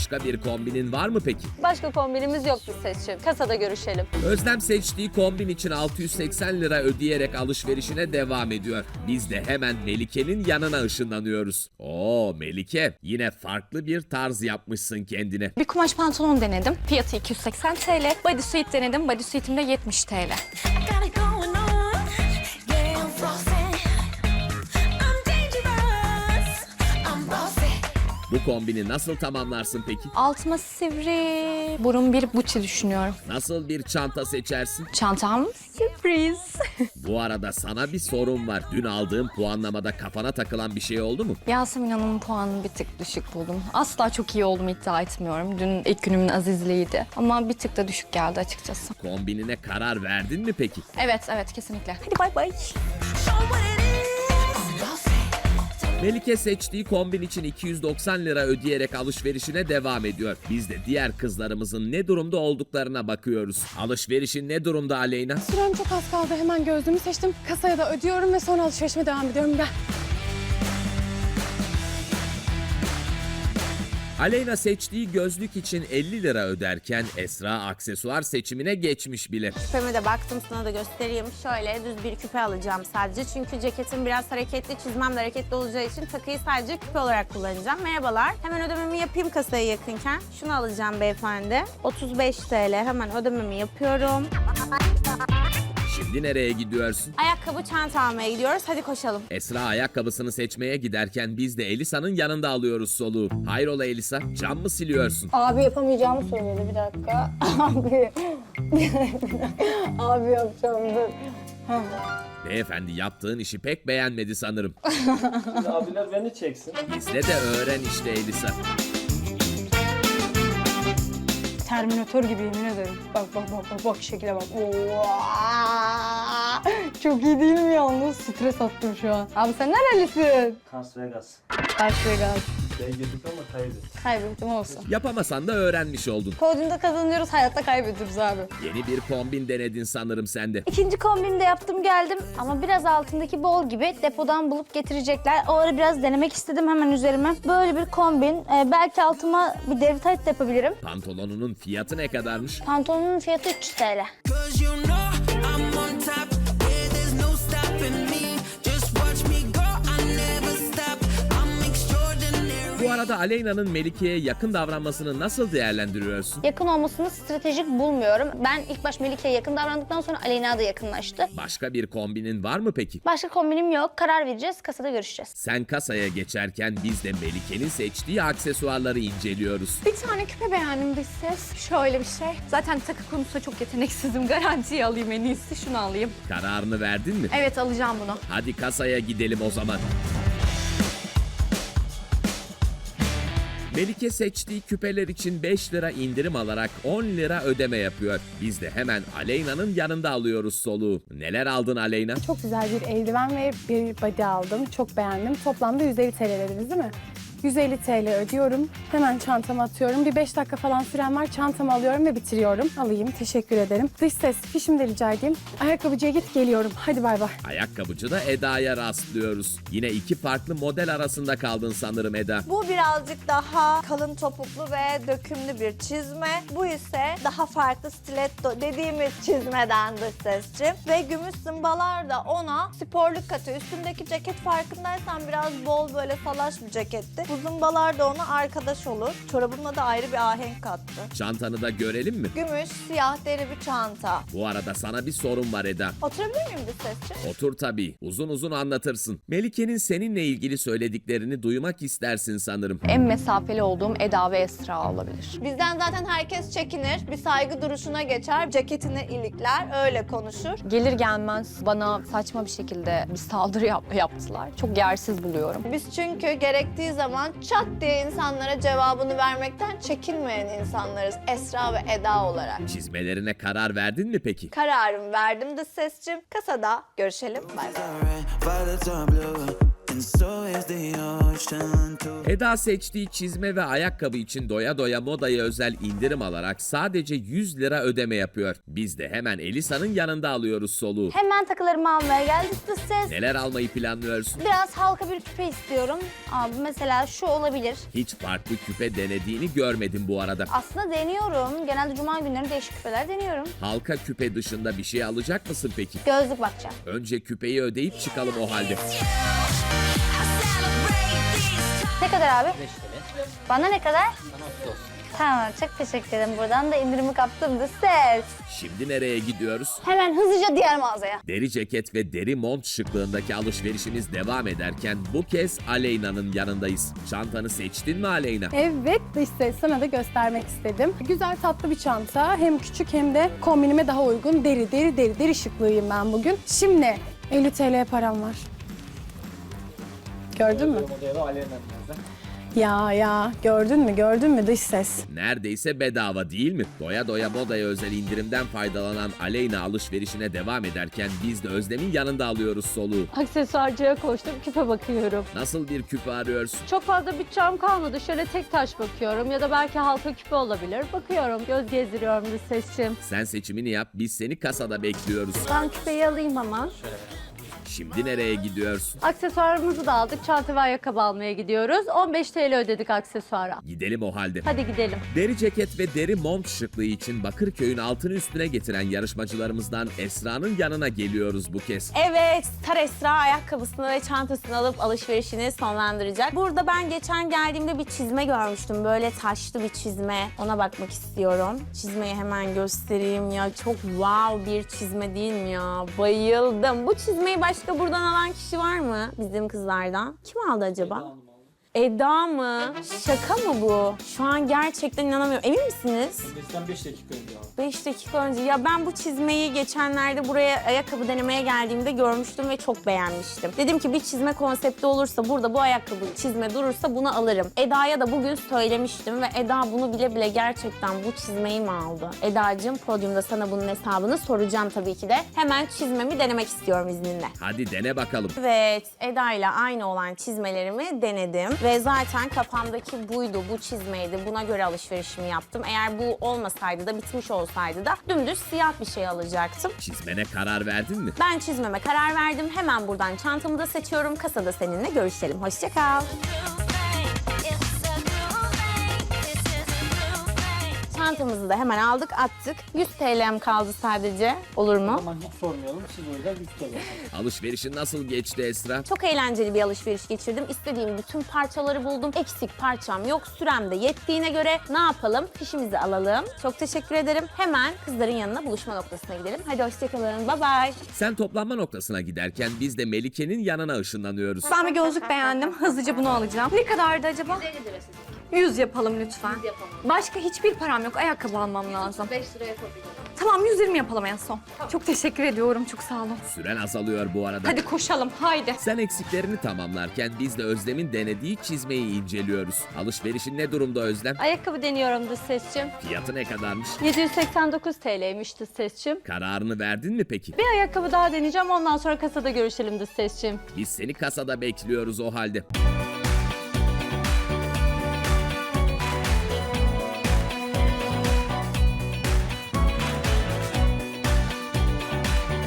Başka bir kombinin var mı peki? Başka kombinimiz yoktu seçim. Kasada görüşelim. Özlem seçtiği kombin için 680 lira ödeyerek alışverişine devam ediyor. Biz de hemen Melike'nin yanına ışınlanıyoruz. Oo Melike, yine farklı bir tarz yapmışsın kendine. Bir kumaş pantolon denedim. Fiyatı 280 TL. Bodysuit denedim. Bodysuit'im de 70 TL. Got it going on. Yeah, I'm frosty. I'm dangerous. I'm bossy. Bu kombini nasıl tamamlarsın peki? Altıma sivri burun bir buçi düşünüyorum. Nasıl bir çanta seçersin? Çantam sürpriz. Bu arada sana bir sorum var. Dün aldığın puanlamada kafana takılan bir şey oldu mu? Yasemin Hanım'ın puanını bir tık düşük buldum. Asla çok iyi olduğumu iddia etmiyorum. Dün ilk günümün azizliğiydi. Ama bir tık da düşük geldi açıkçası. Kombinine karar verdin mi peki? Evet kesinlikle. Hadi bay bay. Show what it is. I'm bossy. Melike seçtiği kombin için 290 lira ödeyerek alışverişine devam ediyor. Biz de diğer kızlarımızın ne durumda olduklarına bakıyoruz. Alışverişin ne durumda Aleyna? Sürem çok az kaldı. Hemen gözlüğümü seçtim. Kasaya da ödüyorum ve sonra alışverişime devam ediyorum. Gel. Aleyna seçtiği gözlük için 50 lira öderken Esra aksesuar seçimine geçmiş bile. Küpeme de baktım, sana da göstereyim. Şöyle düz bir küpe alacağım sadece. Çünkü ceketim biraz hareketli, çizmem de hareketli olacağı için takıyı sadece küpe olarak kullanacağım. Merhabalar. Hemen ödememi yapayım kasaya yakınken. Şunu alacağım beyefendi. 35 TL. Hemen ödememi yapıyorum. Şimdi nereye gidiyorsun? Ayakkabı, çanta almaya gidiyoruz. Hadi koşalım. Esra ayakkabısını seçmeye giderken biz de Elisa'nın yanında alıyoruz soluğu. Hayrola Elisa, cam mı siliyorsun? Abi yapamayacağımı söyledi. Bir dakika. Abi. Abi yapacağım dur. Beyefendi yaptığın işi pek beğenmedi sanırım. Abiler beni çeksin. Bizle de öğren işte Elisa. Terminator gibi yemin ederim. Bak şekile bak. Oo! Çok iyi değil mi yalnız? Stres attım şu an. Abi sen nerelisin? Las Vegas. Las Vegas. Yedik ama kaybettik. Kaybettim olsun. Yapamasan da öğrenmiş oldun. Podyumda kazanıyoruz, hayatta kaybediyoruz abi. Yeni bir kombin denedin sanırım sen de. İkinci kombini de yaptım geldim ama biraz altındaki bol gibi depodan bulup getirecekler. O ara biraz denemek istedim hemen üzerime. Böyle bir kombin. Belki altıma bir deri tayt da yapabilirim. Pantolonunun fiyatı ne kadarmış? Pantolonun fiyatı 300 TL. 'Cause you know I'm on top. Yeah, there's no stopping me. Just watch me go. I never stop. I'm extraordinary. Bu arada Aleyna'nın Melike'ye yakın davranmasını nasıl değerlendiriyorsun? Yakın olmasını stratejik bulmuyorum. Ben ilk baş Melike'ye yakın davrandıktan sonra Aleyna da yakınlaştı. Başka bir kombinin var mı peki? Başka kombinim yok. Karar vereceğiz. Kasada görüşeceğiz. Sen kasaya geçerken biz de Melike'nin seçtiği aksesuarları inceliyoruz. Bir tane küpe beğendim dış ses. Şöyle bir şey. Zaten takı konusunda çok yeteneksizim. Garantiye alayım en iyisi. Şunu alayım. Kararını verdin mi? Evet alacağım bunu. Hadi kasaya gidelim o zaman. Melike seçtiği küpeler için 5 lira indirim alarak 10 lira ödeme yapıyor. Biz de hemen Aleyna'nın yanında alıyoruz soluğu. Neler aldın Aleyna? Çok güzel bir eldiven ve bir body aldım. Çok beğendim. Toplamda 150 TL dediniz değil mi? 150 TL ödüyorum. Hemen çantama atıyorum. Bir 5 dakika falan süren var. Çantamı alıyorum ve bitiriyorum. Alayım. Teşekkür ederim. Dış ses. Fişimi de rica edeyim. Ayakkabıcıya git geliyorum. Hadi bay bay. Ayakkabıcıda Eda'ya rastlıyoruz. Yine iki farklı model arasında kaldın sanırım Eda. Bu birazcık daha kalın topuklu ve dökümlü bir çizme. Bu ise daha farklı stiletto dediğimiz çizmeden dış sesçi. Ve gümüş zımbalar da ona sporluk katıyor. Üstündeki ceket farkındaysan biraz bol böyle salaş bir ceketti. Bu zımbalar da ona arkadaş olur. Çorabımla da ayrı bir ahenk kattı. Çantanı da görelim mi? Gümüş, siyah deri bir çanta. Bu arada sana bir sorum var Eda. Oturabilir miyim dış sesçi? Otur tabii. Uzun uzun anlatırsın. Melike'nin seninle ilgili söylediklerini duymak istersin sanırım. En mesafeli olduğum Eda ve Esra olabilir. Bizden zaten herkes çekinir. Bir saygı duruşuna geçer. Ceketini ilikler. Öyle konuşur. Gelir gelmez bana saçma bir şekilde bir saldırı yaptılar. Çok yersiz buluyorum. Biz çünkü gerektiği zaman çat diye insanlara cevabını vermekten çekinmeyen insanlarız. Esra ve Eda olarak. Çizmelerine karar verdin mi peki? Kararımı verdim dış sesçim. Kasada görüşelim. Bay bay. Violets are blue and so is the ocean too. Eda seçtiği çizme ve ayakkabı için doya doya modaya özel indirim alarak sadece 100 lira ödeme yapıyor. Biz de hemen Elisa'nın yanında alıyoruz soluğu. Hemen takılarımı almaya geldik dış ses. Neler almayı planlıyorsun? Biraz halka bir küpe istiyorum. Abi mesela şu olabilir. Hiç farklı küpe denediğini görmedim bu arada. Aslında deniyorum. Genelde cuma günleri değişik küpeler deniyorum. Halka küpe dışında bir şey alacak mısın peki? Gözlük bakacağım. Önce küpeyi ödeyip çıkalım o halde. Ne kadar abi? 5 TL. Bana ne kadar? Tamam, çok teşekkür ederim. Buradan da indirimi kaptım da ses. Şimdi nereye gidiyoruz? Hemen hızlıca diğer mağazaya. Deri ceket ve deri mont şıklığındaki alışverişimiz devam ederken bu kez Aleyna'nın yanındayız. Çantanı seçtin mi Aleyna? Evet dış ses, sana da göstermek istedim. Güzel tatlı bir çanta. Hem küçük hem de kombinime daha uygun. Deri şıklığıyım ben bugün. Şimdi 50 TL param var. Gördün mü? Modeli Aleyna biraz da. Ya gördün mü dış ses? Neredeyse bedava değil mi? Doya doya modaya özel indirimden faydalanan Aleyna alışverişine devam ederken biz de Özlem'in yanında alıyoruz soluğu. Aksesuarcıya koştum, küpe bakıyorum. Nasıl bir küpe arıyorsun? Çok fazla bütçem kalmadı. Şöyle tek taş bakıyorum ya da belki halka küpe olabilir. Bakıyorum, göz gezdiriyorum bir seçim. Sen seçimini yap, biz seni kasada bekliyoruz. Ben küpeyi alayım hemen. Şimdi nereye gidiyorsun? Aksesuarımızı da aldık. Çanta ve ayakkabı almaya gidiyoruz. 15 TL ödedik aksesuara. Gidelim o halde. Hadi gidelim. Deri ceket ve deri mont şıklığı için Bakırköy'ün altını üstüne getiren yarışmacılarımızdan Esra'nın yanına geliyoruz bu kez. Evet, Star Esra ayakkabısını ve çantasını alıp alışverişini sonlandıracak. Burada ben geçen geldiğimde bir çizme görmüştüm. Böyle taşlı bir çizme. Ona bakmak istiyorum. Çizmeyi hemen göstereyim ya. Çok wow bir çizme değil mi ya? Bayıldım. Bu çizmeyi başka buradan alan kişi var mı bizim kızlardan? Kim aldı acaba? Eda mı? Şaka mı bu? Şu an gerçekten inanamıyorum. Emin misiniz? Bizden 5 dakika önce aldım. 5 dakika önce. Ya ben bu çizmeyi geçenlerde buraya ayakkabı denemeye geldiğimde görmüştüm ve çok beğenmiştim. Dedim ki bir çizme konsepti olursa burada bu ayakkabı çizme durursa bunu alırım. Eda'ya da bugün söylemiştim ve Eda bunu bile bile gerçekten bu çizmeyi mi aldı? Eda'cığım podyumda sana bunun hesabını soracağım tabii ki de. Hemen çizmemi denemek istiyorum izninle. Hadi dene bakalım. Evet, Eda ile aynı olan çizmelerimi denedim. Ve zaten kafamdaki buydu, bu çizmeydi. Buna göre alışverişimi yaptım. Eğer bu olmasaydı da, bitmiş olsaydı da dümdüz siyah bir şey alacaktım. Çizmene karar verdin mi? Ben çizmeme karar verdim. Hemen buradan çantamı da seçiyorum. Kasada seninle görüşelim. Hoşça kal. Çantamızı da hemen aldık, attık. 100 TL'm kaldı sadece. Olur O mu? zaman hiç sormayalım. Siz o yüzden lütfen. Alışverişin nasıl geçti Esra? Çok eğlenceli bir alışveriş geçirdim. İstediğim bütün parçaları buldum. Eksik parçam yok. Sürem de yettiğine göre ne yapalım? Fişimizi alalım. Çok teşekkür ederim. Hemen kızların yanına buluşma noktasına gidelim. Hadi hoşçakalın. Bye bye. Sen toplanma noktasına giderken biz de Melike'nin yanına ışınlanıyoruz. Ben bir gözlük beğendim. Hızlıca bunu alacağım. Ne kadardı acaba? 100 yapalım lütfen. Başka hiçbir param yok. Ayakkabı almam lazım. 5 lira yapabilirim. Tamam 120 yapalım en son. Çok teşekkür ediyorum. Çok sağ olun. Süren azalıyor bu arada. Hadi koşalım. Haydi. Sen eksiklerini tamamlarken biz de Özlem'in denediği çizmeyi inceliyoruz. Alışverişin ne durumda Özlem? Ayakkabı deniyorum dış sesçim. Fiyatı ne kadarmış? 789 TL'ymiş dış sesçim. Kararını verdin mi peki? Bir ayakkabı daha deneyeceğim. Ondan sonra kasada görüşelim dış sesçim. Biz seni kasada bekliyoruz o halde.